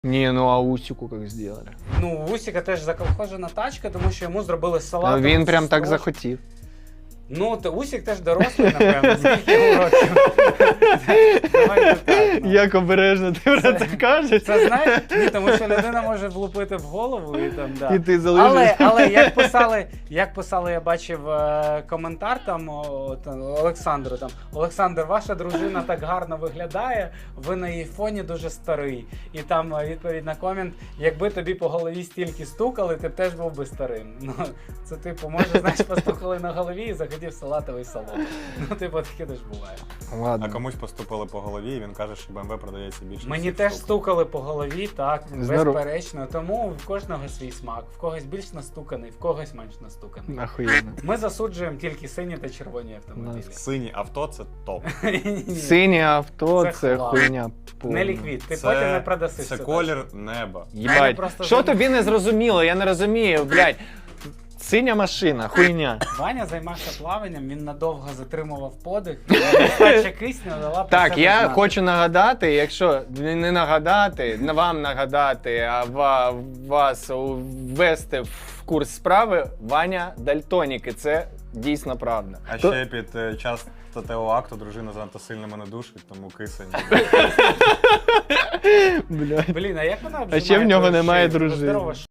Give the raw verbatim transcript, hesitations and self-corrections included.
Не, ну а Усику как сделали? Ну, у Усіка теж заколхожена тачка, тому що йому зробили салат. Ну, він прям так захотів. Ну, то Усік теж дорослий, напевно, скільки йому років. Давайте так, ну. Як обережно ти про це кажеш. Це знаєш, ні, тому що людина може влупити в голову і там, да. І ти залишиш. Але, але як писали, як писали, я бачив е, коментар там, о, там Олександру, там, Олександр, ваша дружина так гарно виглядає, ви на її фоні дуже старий. І там е, відповідь на комент, якби тобі по голові стільки стукали, ти б теж був би старим. Ну, це типу, може, знаєш, постукали на голові і захотів салатовий салон. Ну, типу, таке теж буває. Ладно. А комусь поступили по голові, і він каже, що Б М В продається більше. Мені всіх теж штук. стукали по голові, так, Здоров. безперечно. Тому в кожного свій смак. В когось більш настуканий, в когось менш настуканий. Охуєнно. Ми засуджуємо тільки сині та червоні автомобілі. Синє авто це топ. Ні-ні-ні. Синє авто Це це хлам. хуйня. повна. Не ліквід, ти потім не продасиш. Це цю колір неба. Мене Їбать. просто Що зам- тобі не зрозуміло? Я не розумію, блядь. Синя машина, хуйня. тачку. Ваня займався плаванням, він надовго затримував подих, і нестача кисню дала про Так, себе я знати. хочу нагадати, якщо не нагадати, не вам нагадати, а ва- вас ввести в курс справи, Ваня дальтонік, і це дійсно правда. А То- ще під е, час статевого акту дружина занадто сильно мене душить, тому кисень. Бля. Блін, а як вона А ще в нього обжимає твою немає шию? дружини. Здорова